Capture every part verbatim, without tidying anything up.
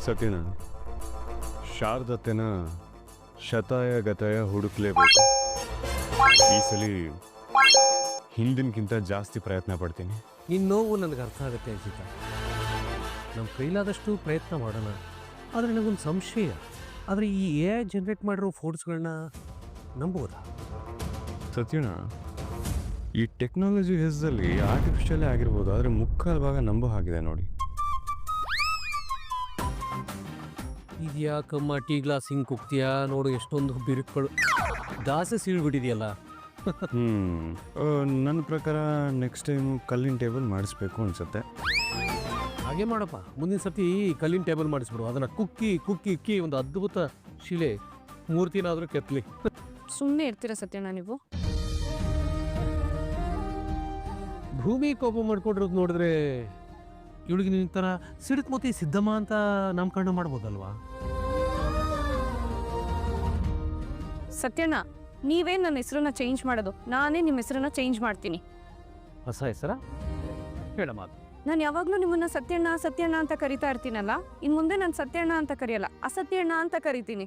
ಸತ್ಯನ ಶಾರದತ್ತೆನ ಶತಾಯ ಗತಾಯ ಹುಡುಕ್ಲೇಬೇಕು. ಈ ಸಲ ಹಿಂದಿನಕ್ಕಿಂತ ಜಾಸ್ತಿ ಪ್ರಯತ್ನ ಪಡ್ತೀನಿ. ನಿನ್ನ ನೋವು ನನಗೆ ಅರ್ಥ ಆಗುತ್ತೆ ಅಜಿತ. ನಮ್ಮ ಕೈಲಾದಷ್ಟು ಪ್ರಯತ್ನ ಮಾಡೋಣ. ಆದರೆ ನನಗೊಂದು ಸಂಶಯ, ಆದರೆ ಈ ಎ ಐ ಜನ್ರೇಟ್ ಮಾಡಿರೋ ಫೋಟೋಸ್ಗಳನ್ನ ನಂಬೋದಾ? ಸತ್ಯನ ಈ ಟೆಕ್ನಾಲಜಿ ಹೆಸರಲ್ಲಿ ಆರ್ಟಿಫಿಷಿಯಲ್ಲೇ ಆಗಿರ್ಬೋದು, ಆದರೆ ಮುಕ್ಕಾಲು ಭಾಗ ನಂಬೋ ಹಾಗಿದೆ ನೋಡಿ. ಇದೆಯಾ ಕಮ್ಮ ಟೀ ಗ್ಲಾಸ್ ಹಿಂಗೆ ಕುಗ್ತೀಯಾ ನೋಡು, ಎಷ್ಟೊಂದು ಬಿರುಕುಗಳು ದಾಸೆ ಸೀಳ್ಬಿಟ್ಟಿದೆಯಲ್ಲ. ಹ್ಮ್ ನನ್ನ ಪ್ರಕಾರ ನೆಕ್ಸ್ಟ್ ಟೈಮು ಕಲ್ಲಿನ ಟೇಬಲ್ ಮಾಡಿಸ್ಬೇಕು ಅನ್ಸುತ್ತೆ. ಹಾಗೆ ಮಾಡಪ್ಪ, ಮುಂದಿನ ಸತಿ ಕಲ್ಲಿನ ಟೇಬಲ್ ಮಾಡಿಸ್ಬಿಡು. ಅದನ್ನು ಕುಕ್ಕಿ ಕುಕ್ಕಿ ಇಕ್ಕಿ ಒಂದು ಅದ್ಭುತ ಶಿಲೆ ಮೂರ್ತಿನಾದರೂ ಕೆತ್ತಲಿ. ಸುಮ್ಮನೆ ಇರ್ತೀರ ಸತ್ಯಣ್ಣ ನೀವು? ಭೂಮಿ ಕೋಪ ಮಾಡ್ಕೊಂಡಿರೋದು ನೋಡಿದ್ರೆ ಇವಳಿಗೆ ನಿನ್ನ ಥರ ಸಿಡುಕ್ಮತಿ ಸಿದ್ದಮ್ಮ ಅಂತ ನಾಮಕರಣ ಮಾಡ್ಬೋದಲ್ವಾ? ಸತ್ಯಣ್ಣ, ನೀವೇ ನನ್ನ ಹೆಸರನ್ನ ಚೇಂಜ್ ಮಾಡೋದು, ನಾನೇ ನಿಮ್ಮ ಹೆಸರನ್ನ ಚೇಂಜ್ ಮಾಡ್ತೀನಿ. ಹೊಸ ಹೆಸರ ಹೇಳ ಮಾತು. ನಾನು ಯಾವಾಗಲೂ ನಿಮ್ಮನ್ನ ಸತ್ಯಣ್ಣ ಸತ್ಯಣ್ಣ ಅಂತ ಕರಿತಾ ಇರ್ತೀನಲ್ಲ, ಇನ್ನು ಮುಂದೆ ನಾನು ಸತ್ಯಣ್ಣ ಅಂತ ಕರೆಯಲ್ಲ, ಅಸತ್ಯಣ್ಣ ಅಂತ ಕರಿತೀನಿ.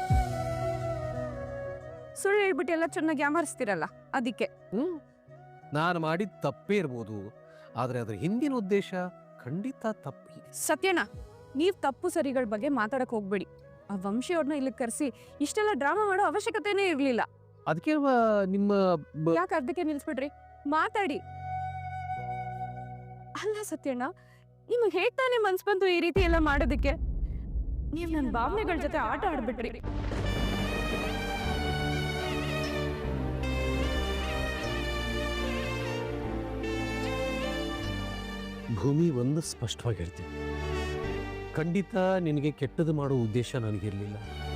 ಸುಳ್ಳು ಹೇಳ್ಬಿಟ್ಟು ಎಲ್ಲ ಚೆನ್ನಾಗಿ ಯಾಮರಿಸ್ತಿರಲ್ಲ, ಅದಕ್ಕೆ. ಹ್ಞೂ ನಾನು ಮಾಡಿದ ತಪ್ಪೇ ಇರ್ಬೋದು, ಆದರೆ ಅದರ ಹಿಂದಿನ ಉದ್ದೇಶ ಖಂಡಿತ ತಪ್ಪಿ. ಸತ್ಯಣ್ಣ, ನೀವು ತಪ್ಪು ಸರಿಗಳ ಬಗ್ಗೆ ಮಾತಾಡಕ್ ಹೋಗ್ಬೇಡಿ. ಆ ವಂಶಿಯವ್ರನ್ನ ಇಲ್ಲಿ ಕರೆಸಿ ಇಷ್ಟೆಲ್ಲ ಡ್ರಾಮಾ ಮಾಡೋ ಅವಶ್ಯಕತೆನೇ ಇರಲಿಲ್ಲ. ಅದಕ್ಕೆ ನಿಮ್ಮ ಯಾಕೆ ಅರ್ಧಕ್ಕೆ ನಿಲ್ಸ್ಬಿಡ್ರಿ? ಮಾತಾಡಿ. ಅಲ್ಲ ಸತ್ಯಣ್ಣ, ನಿಮಗೆ ಹೇಗ್ ತಾನೇ ಮನ್ಸ್ ಬಂತು ಈ ರೀತಿ ಎಲ್ಲ ಮಾಡೋದಕ್ಕೆ? ನೀವು ನನ್ನ ಭಾವನೆಗಳ ಜೊತೆ ಆಟ ಆಡ್ಬಿಟ್ರಿ. ಭೂಮಿ ಒಂದು ಸ್ಪಷ್ಟವಾಗಿ ಹೇಳ್ತೀನಿ, ಖಂಡಿತ ನಿನಗೆ ಕೆಟ್ಟದ್ದು ಮಾಡೋ ಉದ್ದೇಶ ನನಗಿರಲಿಲ್ಲ.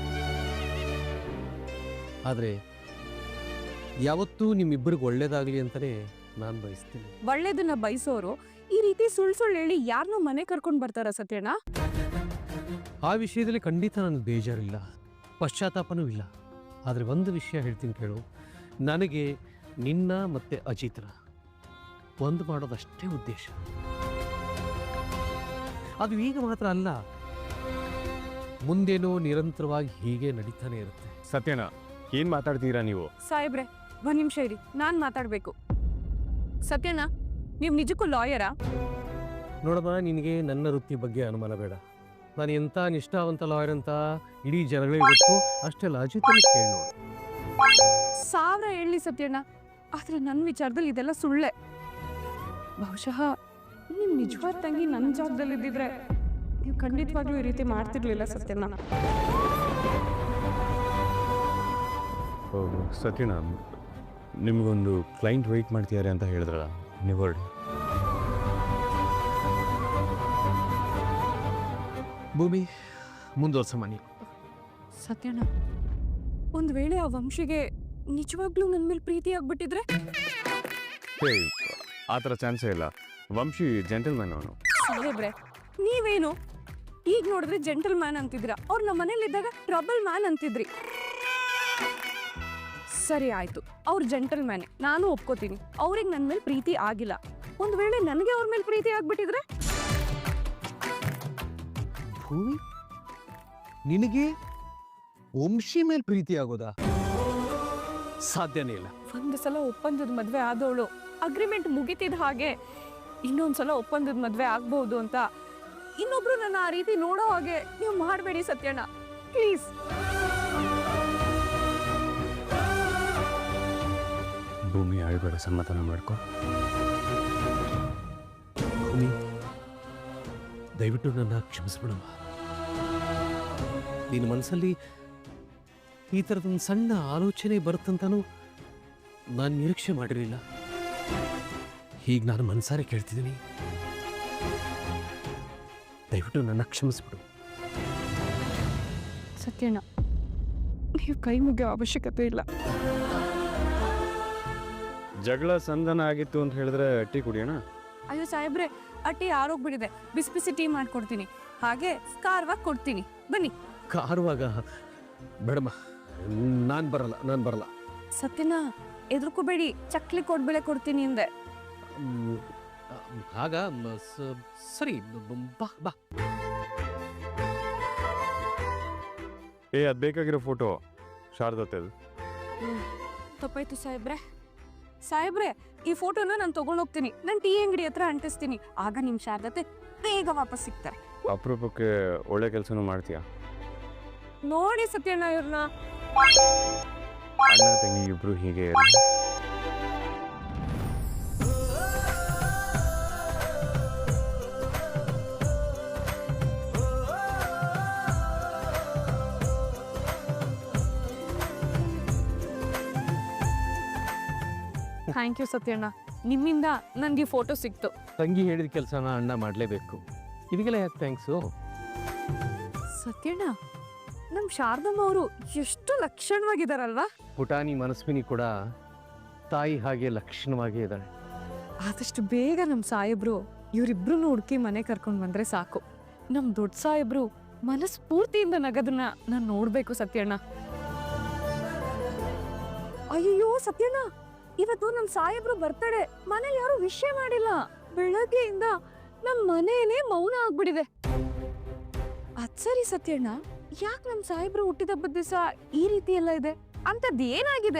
ಆದರೆ ಯಾವತ್ತೂ ನಿಮ್ಮಿಬ್ಬರಿಗೆ ಒಳ್ಳೇದಾಗಲಿ ಅಂತಲೇ ನಾನು ಬಯಸ್ತೀನಿ. ಒಳ್ಳೇದನ್ನ ಬಯಸೋರು ಈ ರೀತಿ ಸುಳ್ಳು ಸುಳ್ಳು ಹೇಳಿ ಯಾರನ್ನೂ ಮನೆ ಕರ್ಕೊಂಡು ಬರ್ತಾರ ಸತ್ಯಣ್ಣ? ಆ ವಿಷಯದಲ್ಲಿ ಖಂಡಿತ ನನಗೆ ಬೇಜಾರಿಲ್ಲ, ಪಶ್ಚಾತ್ತಾಪನೂ ಇಲ್ಲ. ಆದರೆ ಒಂದು ವಿಷಯ ಹೇಳ್ತೀನಿ ಕೇಳು, ನನಗೆ ನಿನ್ನ ಮತ್ತು ಅಜಿತ್ರ ಒಂದು ಮಾಡೋದಷ್ಟೇ ಉದ್ದೇಶ. ಅದು ಈಗ ಮಾತ್ರ ಅಲ್ಲ, ಮುಂದೇನೋ ನಿರಂತರವಾಗಿ ಹೀಗೆ ನಡೀತಾನೆ ಇರುತ್ತೆ. ಸತ್ಯನ ಏನ್ ಮಾತಾಡ್ತೀರಾ ನೀವು? ಸಾಹೇಬ್ರೆ, ಒಂದ್ ನಿಮಿಷ ಇರಿ, ನಾನ್ ಮಾತಾಡ್ಬೇಕು. ಸತ್ಯಣ್ಣ, ನೀವು ನಿಜಕ್ಕೂ ಲಾಯರಾ? ನೋಡಮ್ಮ, ನಿನಗೆ ನನ್ನ ವೃತ್ತಿ ಬಗ್ಗೆ ಅನುಮಾನ ಬೇಡ. ನಾನು ಎಂಥ ನಿಷ್ಠಾವಂತ ಲಾಯರ್ ಅಂತ ಇಡೀ ಜನಗಳಿಗೆ ಗೊತ್ತು. ಅಷ್ಟೆಲ್ಲ ಅಜಿತನ ಕೇಳಿ ನೋಡು. ಸಾವಿರ ಹೇಳಿ ಸತ್ಯಣ್ಣ, ಆದ್ರೆ ನನ್ನ ವಿಚಾರದಲ್ಲಿ ಇದೆಲ್ಲ ಸುಳ್ಳೆ. ಬಹುಶಃ ನಿಮ್ ನಿಜವಾದ ತಂಗಿ ನನ್ನ ಜಾಗದಲ್ಲಿ ಇದ್ದಿದ್ರೆ ನೀವು ಖಂಡಿತವಾಗ್ಲೂ ಈ ರೀತಿ ಮಾಡ್ತಿರ್ಲಿಲ್ಲ ಸತ್ಯಣ್ಣ. ಸತ್ಯನ, ನಿಮ್ಗೊಂದು ಕ್ಲೈಂಟ್ ವೆಯ್ಟ್ ಮಾಡ್ತಿದ್ದಾರೆ ಅಂತ ಹೇಳಿದ್ರಲ್ಲ, ನೀವು ಹೊರಡಿ. ಭೂಮಿ, ಮುಂದುವರ್ಸಮ್ಮ ನೀವು. ಸತ್ಯಣ್ಣ, ಒಂದ್ ವೇಳೆ ಆ ವಂಶಿಗೆ ನಿಜವಾಗ್ಲೂ ನನ್ನ ಮೇಲೆ ಪ್ರೀತಿ ಆಗ್ಬಿಟ್ಟಿದ್ರೆ? ಹೇ, ಆ ಥರ ಚಾನ್ಸೇ ಇಲ್ಲ. ವಂಶಿ ಜೆಂಟಲ್ಮ್ಯಾನ್ ಅವನು. ಸಾಹೇಬ್ರೆ, ನೀವೇನು ಈಗ ನೋಡಿದ್ರೆ ಜೆಂಟಲ್ ಮ್ಯಾನ್ ಅಂತಿದ್ರ, ಅವ್ರು ನಮ್ಮ ಮನೇಲಿದ್ದಾಗ ಟ್ರಬಲ್ ಮ್ಯಾನ್ ಅಂತಿದ್ರಿ. ಸರಿ ಆಯ್ತು, ಅವ್ರು ಜೆಂಟಲ್ ಮ್ಯಾನೆ, ನಾನು ಒಪ್ಕೋತೀನಿ. ಅವ್ರಿಗೆ ನನ್ನ ಮೇಲೆ ಪ್ರೀತಿ ಆಗಿಲ್ಲ. ಒಂದ್ ವೇಳೆ ನನಗೆ ಅವ್ರ ಮೇಲೆ ಪ್ರೀತಿ ಆಗ್ಬಿಟ್ಟಿದ್ರೆ? ಭೂಮಿ, ನಿನಗೆ ವಂಶಿ ಮೇಲೆ ಪ್ರೀತಿ ಆಗೋದಾ? ಸಾಧ್ಯನೇ ಇಲ್ಲ. ಒಂದು ಸಲ ಒಪ್ಪಂದದ ಮದ್ವೆ ಆದವಳು ಅಗ್ರಿಮೆಂಟ್ ಮುಗಿತಿದ ಹಾಗೆ ಇನ್ನೊಂದ್ಸಲ ಒಪ್ಪಂದದ ಮದ್ವೆ ಆಗ್ಬಹುದು ಅಂತ ಇನ್ನೊಬ್ರು ನನ್ನ ಆ ರೀತಿ ನೋಡೋ ಹಾಗೆ ನೀವು ಮಾಡಬೇಡಿ ಸತ್ಯಣ್ಣ, ಪ್ಲೀಸ್. ಭೂಮಿ, ಆಳ್ಬೇಡ, ಸಮಾಧಾನ ಮಾಡ್ಕೊ. ಭೂಮಿ, ದಯವಿಟ್ಟು ನನ್ನ ಕ್ಷಮಿಸ್ಬಿಡಮ್ಮ. ನಿನ್ನ ಮನಸ್ಸಲ್ಲಿ ಈ ಥರದೊಂದು ಸಣ್ಣ ಆಲೋಚನೆ ಬರುತ್ತಂತನೂ ನಾನು ನಿರೀಕ್ಷೆ ಮಾಡಿರಲಿಲ್ಲ. ಹೀಗೆ ನಾನು ಮನಸಾರೆ ಕೇಳ್ತಿದ್ದೀನಿ, ದಯವಿಟ್ಟು ನನ್ನ ಕ್ಷಮಿಸ್ಬಿಡು. ಸತ್ಯಣ್ಣ, ನೀವು ಕೈ ಮುಗಿಯೋ ಅವಶ್ಯಕತೆ ಇಲ್ಲ. ಜಗಳ ಸಂಧಾನ ಆಗಿತ್ತು ಅಂತ ಹೇಳಿದ್ರೆ ಟೀ ಕುಡಿಯೋಣ? ಅಯ್ಯೋ ಸಾಹೇಬ್ರೆ, ಆ ಟೀ ಆರೋಗ್ಬಿಟ್ಟಿದೆ, ಬಿಸಿ ಬಿಸಿ ಟೀ ಮಾಡ್ಕೊಡ್ತೀನಿ, ಹಾಗೆ ಖಾರವಾಗಿ ಕೊಡ್ತೀನಿ, ಬನ್ನಿ. ಕಾರುವಾಗ ಬೇಡಮ್ಮ, ನಾನು ಬರಲ್ಲ, ನಾನು ಬರಲ್ಲ. ಸತ್ಯಣ್ಣ, ಎದುರ್ಕೋಬೇಡಿ, ಚಕ್ಲಿ ಕೊಡ್ಬೇಳೆ ಕೊಡ್ತೀನಿ ಹಿಂದೆ. ಆಗ ಸರಿ, ಬಾ ಬಾ. ಏ ಅದು ಬೇಕಾಗಿರೋ ಫೋಟೋ ಶಾರದತ್ತದು. ತಪ್ಪಾಯ್ತು ಸಾಹೇಬ್ರೆ. ಸಾಹೇಬ್ರೆ, ಈ ಫೋಟೋನ ನಾನು ತಗೊಂಡೋಗ್ತೀನಿ, ನಾನು ಟೀ ಅಂಗಡಿ ಹತ್ರ ಅಂಟಿಸ್ತೀನಿ. ಆಗ ನಿಮ್ಮ ಶಾರದತೆ ಬೇಗ ವಾಪಸ್ ಸಿಗ್ತಾರೆ. ಅಪರೂಪಕ್ಕೆ ಒಳ್ಳೆ ಕೆಲಸನೂ ಮಾಡ್ತೀಯಾ. ನೋಡಿ ಸತ್ಯಣ್ಣ ಇವ್ರನ್ನ. ಅಣ್ಣ ತಂಗಿ ಇಬ್ರು ಹೀಗೆ ಇರಲಿ. ಥ್ಯಾಂಕ್ ಯು ಸತ್ಯಣ್ಣ, ನಿಮ್ಮಿಂದ ನನಗೆ ಫೋಟೋ ಸಿಕ್ತು. ತಂಗಿ ಹೇಳಿದ ಕೆಲಸನ ಅಣ್ಣ ಮಾಡಲೇಬೇಕು. ಇದಕ್ಕೆಲ್ಲ ಯಾಕೆ ಥ್ಯಾಂಕ್ಸು? ಸತ್ಯಣ್ಣ, ನಮ್ಮ ಶಾರದಮ್ಮ ಅವರು ಎಷ್ಟು ಲಕ್ಷಣವಾಗಿದ್ದಾರಲ್ವಾ. ಪುಟಾಣಿ ಮನಸ್ವಿನಿ ಕೂಡ ತಾಯಿ ಹಾಗೆ ಲಕ್ಷಣವಾಗೇ ಇದ್ದಾಳೆ. ಆದಷ್ಟು ಬೇಗ ನಮ್ಮ ಸಾಹೇಬ್ರು ಇವರಿಬ್ರು ಹುಡುಕಿ ಮನೆ ಕರ್ಕೊಂಡು ಬಂದ್ರೆ ಸಾಕು. ನಮ್ಮ ದೊಡ್ಡ ಸಾಹೇಬ್ರು ಮನಸ್ಫೂರ್ತಿಯಿಂದ ನಗದನ್ನ ನಾನು ನೋಡ್ಬೇಕು ಸತ್ಯಣ್ಣ. ಅಯ್ಯೋ ಸತ್ಯಣ್ಣ, ಇವತ್ತು ನಮ್ಮ ಸಾಹೇಬ್ರು ಬರ್ತಡೆ, ಮನೇಲಿ ಯಾರು ವಿಷಯ ಮಾಡಿಲ್ಲ. ಬೆಳಗ್ಗೆಯಿಂದ ನಮ್ಮ ಮನೇನೇ ಮೌನ ಆಗ್ಬಿಟ್ಟಿದೆ. ಅದ್ ಸರಿ ಸತ್ಯಣ್ಣ, ಯಾಕೆ ನಮ್ಮ ಸಾಹೇಬ್ರು ಹುಟ್ಟಿದಬ್ಬದ ದಿವಸ ಈ ರೀತಿ ಎಲ್ಲ ಇದೆ? ಅಂತದ್ ಏನಾಗಿದೆ?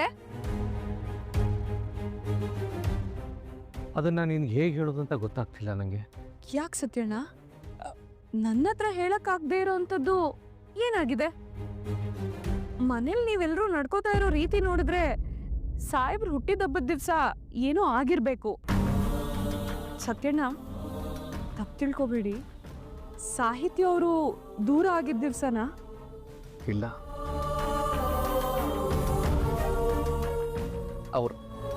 ಅದನ್ನ ನಿನ್ಗೆ ಹೇಗೆ ಹೇಳೋದು ಅಂತ ಗೊತ್ತಾಗ್ತಿಲ್ಲ ನನಗೆ. ಯಾಕೆ ಸತ್ಯಣ್ಣ, ನನ್ನ ಹತ್ರ ಹೇಳಕ್ಕಾಗದೇ ಇರೋಂಥದ್ದು ಏನಾಗಿದೆ? ಮನೇಲಿ ನೀವೆಲ್ಲರೂ ನಡ್ಕೋತಾ ಇರೋ ರೀತಿ ನೋಡಿದ್ರೆ ಸಾಹೇಬ್ರು ಹುಟ್ಟಿದಬ್ಬದ ದಿವಸ ಏನೋ ಆಗಿರ್ಬೇಕು. ಸತ್ಯಣ್ಣ, ತಪ್ಪು ತಿಳ್ಕೊಬೇಡಿ, ಸಾಹಿತ್ಯ ಅವರು ದೂರ ಆಗಿದ್ದ ದಿವ್ಸನಾ? ಇಲ್ಲ, ಅವರು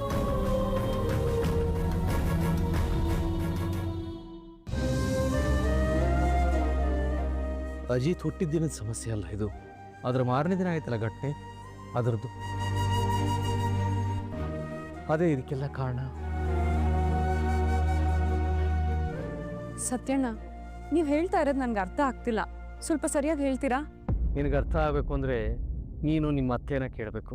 ಅಜಿತ್ ಹುಟ್ಟಿದ ದಿನದ ಸಮಸ್ಯೆ ಅಲ್ಲ ಇದು. ಅದರ ಮಾರನೇ ದಿನ ಆಯ್ತಲ್ಲ ಘಟನೆ, ಅದರದ್ದು. ಅದೇ ಇದಕ್ಕೆಲ್ಲ ಕಾರಣ. ಸತ್ಯಣ್ಣ, ನೀವು ಹೇಳ್ತಾ ಇರೋದು ನನ್ಗೆ ಅರ್ಥ ಆಗ್ತಿಲ್ಲ. ಸ್ವಲ್ಪ ಸರಿಯಾಗಿ ಹೇಳ್ತೀರಾ? ನಿನಗೆ ಅರ್ಥ ಆಗಬೇಕು ಅಂದರೆ ನೀನು ನಿಮ್ಮ ಅತ್ತೆನ ಕೇಳಬೇಕು.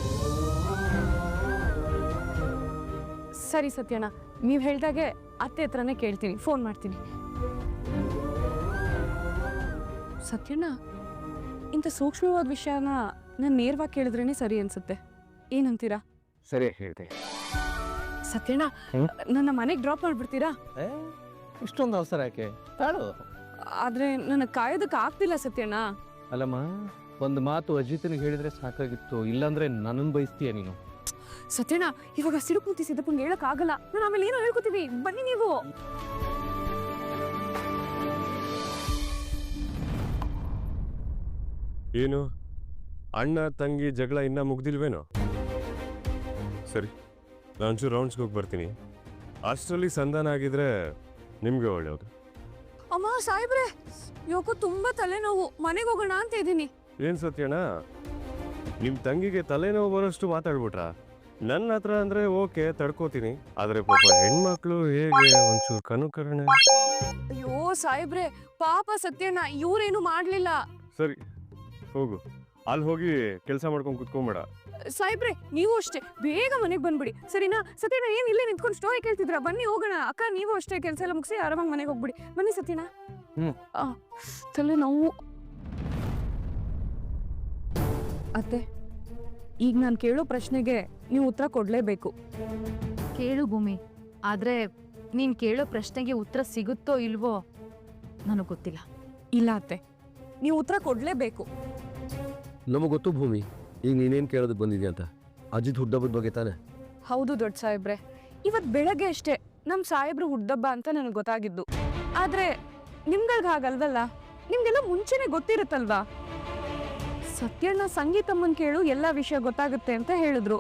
ಸರಿ ಸತ್ಯಣ್ಣ, ನೀವು ಹೇಳ್ದಾಗೆ ಅತ್ತೆ ಹತ್ರನೇ ಕೇಳ್ತೀನಿ, ಫೋನ್ ಮಾಡ್ತೀನಿ. ಸತ್ಯಣ್ಣ, ಇಂಥ ಸೂಕ್ಷ್ಮವಾದ ವಿಷಯನ ನಾನು ನೇರವಾಗಿ ಕೇಳಿದ್ರೇನೆ ಸರಿ ಅನ್ಸುತ್ತೆ. ಏನಂತೀರಾ? ಸರಿ ಹೇಳಿದೆ. ಸತ್ಯಣ್ಣ, ನನ್ನ ಮನೆಗೆ ಡ್ರಾಪ್ ಮಾಡ್ಬಿಡ್ತೀರಾ? ಇಷ್ಟೊಂದು ಅವಸರ ಯಾಕೆ? ತಾಳು. ಆದ್ರೆ ನನಗೆ ಕಾಯೋದಕ್ಕೆ ಆಗ್ತಿಲ್ಲ ಸತ್ಯಣ್ಣ. ಅಲ್ಲಮ್ಮ, ಒಂದು ಮಾತು ಅಜಿತನಿಗೆ ಹೇಳಿದ್ರೆ ಸಾಕಾಗಿತ್ತು, ಇಲ್ಲಾಂದ್ರೆ ನನ್ನನ್ನು ಬಯಸ್ತೀಯ ನೀನು. ಸತ್ಯಣ್ಣ, ಇವಾಗ ಸಿಡುಕು ಮುತ್ತಿ ಸಿದ್ದಪ್ಪಂಗೆ ಹೇಳಕ್ ಆಗಲ್ಲ. ನಾನು ಆಮೇಲೆ ಏನೋ ಹೇಳ್ಕೊತೀವಿ, ಬನ್ನಿ ನೀವು. ಏನು ಅಣ್ಣ ತಂಗಿ ಜಗಳ ಇನ್ನೂ ಮುಗ್ದಿಲ್ವೇನೋ? ಸರಿ, ನಾನು ಒಂಚೂರು ರೌಂಡ್ಸ್ಗೆ ಹೋಗಿ ಬರ್ತೀನಿ. ಅಷ್ಟರಲ್ಲಿ ಸಂಧಾನ ಆಗಿದ್ರೆ ನಿಮಗೆ ಒಳ್ಳೆಯದು. ಅಮ್ಮ ಸಾಹೇಬ್ರೆ, ಯಾಕೋ ತುಂಬಾ ತಲೆನೋವು, ಮನೆಗೆ ಹೋಗೋಣ ಅಂತ ಇದ್ದೀನಿ. ಏನು ಸತ್ಯಣ್ಣ, ನಿಮ್ಮ ತಂಗಿಗೆ ತಲೆನೋವು ಬರೋಷ್ಟು ಮಾತಾಡ್ಬಿಟ್ರಾ? ನನ್ನ ಹತ್ರ ಅಂದರೆ ಓಕೆ ತಡ್ಕೋತೀನಿ, ಆದರೆ ಪಾಪ ಹೆಣ್ಮಕ್ಳು ಹೇಗೆ ಒಂಚೂರು ಕನುಕರಣೆ. ಅಯ್ಯೋ ಸಾಹೇಬ್ರೆ, ಪಾಪ ಸತ್ಯಣ್ಣ, ಇವ್ರೇನು ಮಾಡ್ಲಿಲ್ಲ. ಸರಿ ಹೋಗು, ಅಲ್ಲಿ ಹೋಗಿ ಕೆಲಸ ಮಾಡ್ಕೊಂಡು ಕುತ್ಕೊಂಬೇಡ. ಸಾಹೇಬ್ರೆ, ನೀವು ಅಷ್ಟೇ ಬೇಗ ಮನೆಗೆ ಬಂದ್ಬಿಡಿ, ಸರಿನಾ? ಸತ್ಯಣ್ಣ ಏನ್ ಇಲ್ಲೇ ನಿಂತ್ಕೊಂಡು ಸ್ಟೋರಿ ಕೇಳ್ತಿದ್ರ? ಬನ್ನಿ ಹೋಗೋಣ. ಅಕ್ಕ, ನೀವು ಅಷ್ಟೇ ಕೆಲಸ ಎಲ್ಲ ಮುಗಿಸಿ ಆರಾಮಾಗಿ ಮನೆಗೆ ಹೋಗ್ಬಿಡಿ. ಬನ್ನಿ ಸತ್ಯಣ್ಣ. ಹ್ಮ್. ತಲೆ ನೋವು. ಅತ್ತೆ, ಈಗ ನಾನು ಕೇಳೋ ಪ್ರಶ್ನೆಗೆ ನೀವು ಉತ್ತರ ಕೊಡ್ಲೇಬೇಕು. ಕೇಳು ಭೂಮಿ, ಆದ್ರೆ ನೀನ್ ಕೇಳೋ ಪ್ರಶ್ನೆಗೆ ಉತ್ತರ ಸಿಗುತ್ತೋ ಇಲ್ವೋ ನನಗೆ ಗೊತ್ತಿಲ್ಲ. ಇಲ್ಲ ಅತ್ತೆ, ನೀವು ಉತ್ತರ ಕೊಡ್ಲೇಬೇಕು. ನಮಗೆ ಗೊತ್ತು ಭೂಮಿ, ಈಗ ನೀನೇನು ಕೇಳೋದಕ್ಕೆ ಬಂದಿದ್ಯಾ ಅಂತ. ಅಜಿತ್ ಹುಟ್ಟಬ್ಬದ ಬಗ್ಗೆ ತಾನೆ? ಹೌದು ದೊಡ್ಡ ಸಾಹೇಬ್ರೆ, ಇವತ್ ಬೆಳಗ್ಗೆ ಅಷ್ಟೇ ನಮ್ ಸಾಹೇಬ್ರು ಹುಡ್ದಬ್ಬ ಅಂತ ನನಗೆ ಗೊತ್ತಾಗಿದ್ದು. ಆದ್ರೆ ನಿಮ್ಗಳ್ಗ ಹಾಗಲ್ವಲ್ಲ, ನಿಮ್ಗೆಲ್ಲ ಮುಂಚೆನೆ ಗೊತ್ತಿರುತ್ತಲ್ವಾ. ಸತ್ಯಣ್ಣ ಸಂಗೀತಮ್ಮನ್ ಕೇಳು ಎಲ್ಲ ವಿಷಯ ಗೊತ್ತಾಗುತ್ತೆ ಅಂತ ಹೇಳಿದ್ರು.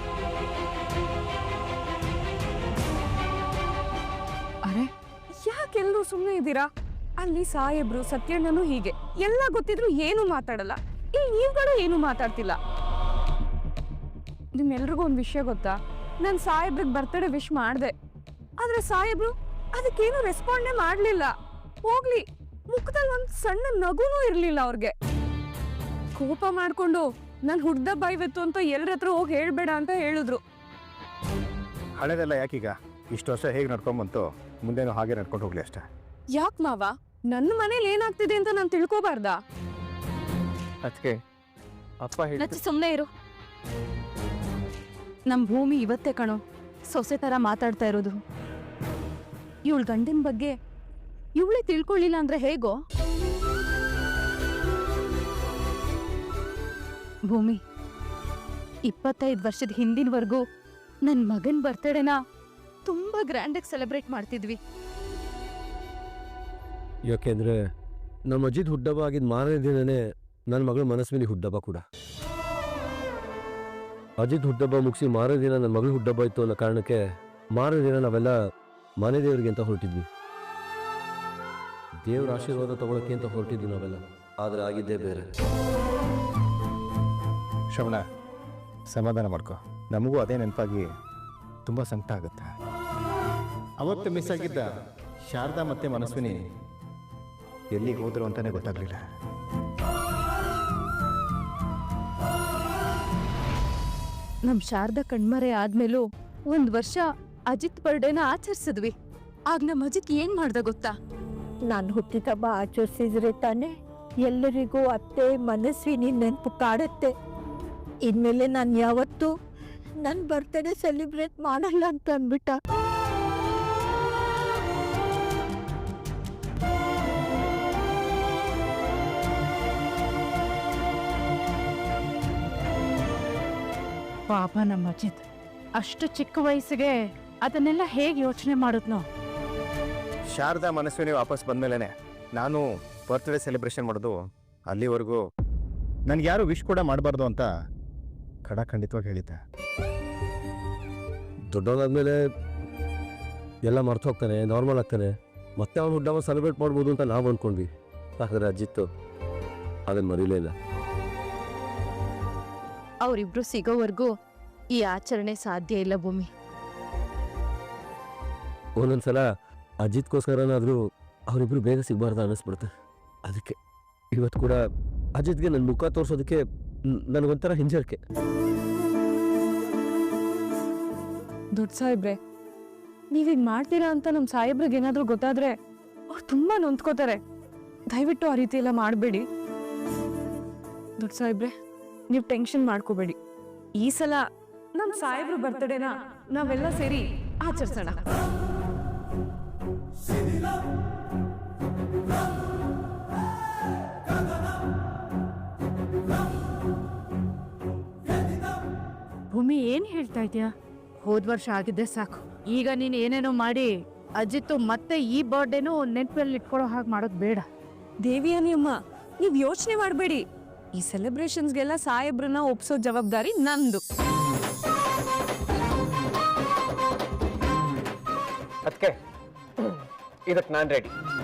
ಅರೆ, ಯಾಕೆಲ್ಲರೂ ಸುಮ್ಮನೆ ಇದ್ದೀರಾ? ಅಲ್ಲಿ ಸಾಹೇಬ್ರು ಸತ್ಯಣ್ಣನು ಹೀಗೆ ಎಲ್ಲ ಗೊತ್ತಿದ್ರು ಏನು ಮಾತಾಡಲ್ಲ. ಇಲ್ಲಿ ನೀವುಗಳು ಏನು ಮಾತಾಡ್ತಿಲ್ಲ. ನಿಮ್ಮೆಲ್ರಿಗೂ ಒಂದು ವಿಷಯ ಗೊತ್ತಾ? ನಾನು ಸಾಹೇಬ್ರಿಗೆ ಬರ್ತಡೇ ವಿಶ್ ಮಾಡಿದೆ, ಆದ್ರೆ ಸಾಹೇಬ್ರು ಅದಕ್ಕೇನು ರೆಸ್ಪಾಂಡೇ ಮಾಡಲಿಲ್ಲ. ಹೋಗ್ಲಿ, ಮುಖದಲ್ಲಿ ಒಂದು ಸಣ್ಣ ನಗುನೂ ಇರಲಿಲ್ಲ ಅವ್ರಿಗೆ. ಕೋಪ ಮಾಡ್ಕೊಂಡು ನಾನು ಹುಡ್ದಬ್ಬ ಇವತ್ತು ಅಂತ ಎಲ್ಲರ ಹತ್ರ ಹೋಗಿ ಹೇಳ್ಬೇಡ ಅಂತ ಹೇಳಿದ್ರು. ಹಳೆದೆಲ್ಲ ಯಾಕೀಗ? ಇಷ್ಟು ವರ್ಷ ಹೇಗೆ ನಡ್ಕೊಂಬಂತು, ಮುಂದೇನು ಹಾಗೆ ನಡ್ಕೊಂಡು ಹೋಗ್ಲಿ ಅಷ್ಟೇ. ಯಾಕೆ ಮಾವ, ನನ್ನ ಮನೇಲಿ ಏನಾಗ್ತಿದೆ ಅಂತ ನಾನು ತಿಳ್ಕೊಬಾರ್ದಾ? ಅದಕ್ಕೆ ಅಪ್ಪ ಹೇಳಿ ಲಚ್ಚು ಸುಮ್ಮನೆ ಇರು. ನಮ್ಮ ಭೂಮಿ ಇವತ್ತೇ ಕಣೋ ಸೊಸೆ ಥರ ಮಾತಾಡ್ತಾ ಇರೋದು. ಇವಳ ಗಂಡಿನ ಬಗ್ಗೆ ಇವಳೇ ತಿಳ್ಕೊಳ್ಳಿಲ್ಲ ಅಂದ್ರೆ ಹೇಗೋ? ಭೂಮಿ, ಇಪ್ಪತ್ತೈದು ವರ್ಷದ ಹಿಂದಿನವರೆಗೂ ನನ್ನ ಮಗನ ಬರ್ತಡೇನ ತುಂಬಾ ಗ್ರ್ಯಾಂಡಾಗಿ ಸೆಲೆಬ್ರೇಟ್ ಮಾಡ್ತಿದ್ವಿ. ಯಾಕೆಂದರೆ ನಮ್ಮ ಅಜಿತ್ ಹುಟ್ಟಬ್ಬ ಆಗಿದ್ದ ಮಾರನೇ ದಿನನೇ ನನ್ನ ಮಗಳ ಮನಸ್ವಿನಿ ಹುಟ್ಟಬ್ಬ ಕೂಡ. ಅಜಿತ್ ಹುಟ್ಟಬ್ಬ ಮುಗಿಸಿ ಮಾರನೇ ದಿನ ನನ್ನ ಮಗಳು ಹುಟ್ಟಬ್ಬ ಇತ್ತು ಅನ್ನೋ ಕಾರಣಕ್ಕೆ ಮಾರನೇ ದಿನ ನಾವೆಲ್ಲ ಮನೆ ದೇವರಿಗೆ ಅಂತ ಹೊರಟಿದ್ವಿ. ದೇವ್ರ ಆಶೀರ್ವಾದ ತಗೊಳಕ್ಕೆ ಅಂತ ಹೊರಟಿದ್ವಿ ನಾವೆಲ್ಲ. ಆದರೆ ಆಗಿದ್ದೇ ಬೇರೆ. ಶ್ರವಣ, ಸಮಾಧಾನ ಮಾಡ್ಕೊ. ನಮಗೂ ಅದೇ ನೆನಪಾಗಿ ತುಂಬ ಸಂಕಟ ಆಗುತ್ತೆ. ಅವತ್ತು ಮಿಸ್ ಆಗಿದ್ದ ಶಾರದಾ ಮತ್ತೆ ಮನಸ್ವಿನಿ ಎಲ್ಲಿಗೆ ಹೋದ್ರು ಅಂತಾನೆ ಗೊತ್ತಾಗ್ಲಿಲ್ಲ. ನಮ್ ಶಾರದಾ ಕಣ್ಮರೆ ಆದ್ಮೇಲೂ ಒಂದ್ ವರ್ಷ ಅಜಿತ್ ಬರ್ಡೇನ ಆಚರಿಸಿದ್ವಿ. ಆಗ ನಮ್ ಅಜಿತ್ ಏನ್ ಮಾಡ್ದ ಗೊತ್ತಾ? ನಾನು ಹುಟ್ಟಿದಬ್ಬ ಆಚರಿಸಿದ್ರೆ ತಾನೆ ಎಲ್ಲರಿಗೂ ಅತ್ತೆ ಮನಸ್ವಿನಿ ನೆನಪು ಕಾಡುತ್ತೆ. ಇನ್ಮೇಲೆ ನಾನು ಯಾವತ್ತೂ ನನ್ನ ಬರ್ತ್ಡೇ ಸೆಲೆಬ್ರೇಟ್ ಮಾಡಲ್ಲ ಅಂತ ಅಂದ್ಬಿಟ್ಟ. ಪಾಪ ನಮ್ಮ ಅಜಿತ್ ಅಷ್ಟು ಚಿಕ್ಕ ವಯಸ್ಸಿಗೆ ಅದನ್ನೆಲ್ಲ ಹೇಗೆ ಯೋಚನೆ ಮಾಡಿದ್ನೋ. ಶಾರದಾ ಮನಸ್ವಿನಿ ವಾಪಸ್ ಬಂದ್ಮೇಲೆ ನಾನು ಬರ್ತ್ಡೇ ಸೆಲೆಬ್ರೇಷನ್ ಮಾಡೋದು. ಅಲ್ಲಿವರೆಗೂ ನನಗೆ ಯಾರು ವಿಶ್ ಕೂಡ ಮಾಡಬಾರ್ದು ಅಂತ ಖಡಾಖಂಡಿತವಾಗಿ ಹೇಳಿದ್ದೆ. ದೊಡ್ಡವನಾದ್ಮೇಲೆ ಎಲ್ಲ ಮರ್ತು ಹೋಗ್ತಾನೆ, ನಾರ್ಮಲ್ ಆಗ್ತಾನೆ. ಮತ್ತೆ ಅವ್ನು ಹುಟ್ಟಬ್ಬ ಸೆಲೆಬ್ರೇಟ್ ಮಾಡ್ಬೋದು ಅಂತ ನಾವು ಅಂದ್ಕೊಂಡ್ವಿ. ಆದರೆ ಅಜಿತ್ತು ಅದನ್ನು ಮರೀಲೇ ಇಲ್ಲ. ಅವರಿಬ್ರು ಸಿಗೋವರೆಗೂ ಈ ಆಚರಣೆ ಸಾಧ್ಯ ಇಲ್ಲ ಭೂಮಿ. ಒಂದೊಂದ್ಸಲ ಅಜಿತ್ಗೋಸ್ಕರನಾದರೂ ಅವರಿಬ್ರು ಬೇಗ ಸಿಗಬಾರ್ದು ಅನ್ನಿಸ್ಬಿಡುತ್ತೆ. ಅದಕ್ಕೆ ಇವತ್ತು ಕೂಡ ಅಜಿತ್ಗೆ ನನ್ನ ಮುಖ ತೋರಿಸೋದಕ್ಕೆ ನನಗೊಂಥರ ಹಿಂಜರಿಕೆ. ದೊಡ್ಡ ಸಾಹೇಬ್ರೆ, ನೀವೀಗ ಮಾಡ್ತೀರಾ ಅಂತ ನಮ್ಮ ಸಾಹೇಬ್ರಿಗೆ ಏನಾದರೂ ಗೊತ್ತಾದ್ರೆ ಅವ್ರು ತುಂಬಾ ನೊಂದ್ಕೋತಾರೆ. ದಯವಿಟ್ಟು ಆ ರೀತಿ ಎಲ್ಲ ಮಾಡಬೇಡಿ. ದೊಡ್ಡ ಸಾಹೇಬ್ರೆ, ನೀವು ಟೆನ್ಷನ್ ಮಾಡ್ಕೋಬೇಡಿ. ಈ ಸಲ ನಮ್ಮ ಸಾಹೇಬ್ರು ಬರ್ತಡೇನ ನಾವೆಲ್ಲ ಸೇರಿ ಆಚರಿಸೋಣ. ಭೂಮಿ ಏನ್ ಹೇಳ್ತಾ ಇದ್ಯಾ? ಹೋದ್ ವರ್ಷ ಆಗಿದ್ದೆ ಸಾಕು. ಈಗ ನೀನ್ ಏನೇನೋ ಮಾಡಿ ಅಜಿತ್ತು ಮತ್ತೆ ಈ ಬರ್ಡೇನು ನೆನಪಲ್ಲಿ ಇಟ್ಕೊಳ್ಳೋ ಹಾಗೆ ಮಾಡೋದು ಬೇಡ. ದೇವಿಯಾನಿ ಅಮ್ಮ, ನೀವು ಯೋಚನೆ ಮಾಡಬೇಡಿ. ಈ ಸೆಲೆಬ್ರೇಷನ್ಸ್ಗೆಲ್ಲ ಸಾಹೇಬ್ರನ್ನ ಒಪ್ಸೋ ಜವಾಬ್ದಾರಿ ನಂದು. ಅದಕ್ಕೆ ಇದಕ್ಕೆ ನಾನು ರೆಡಿ.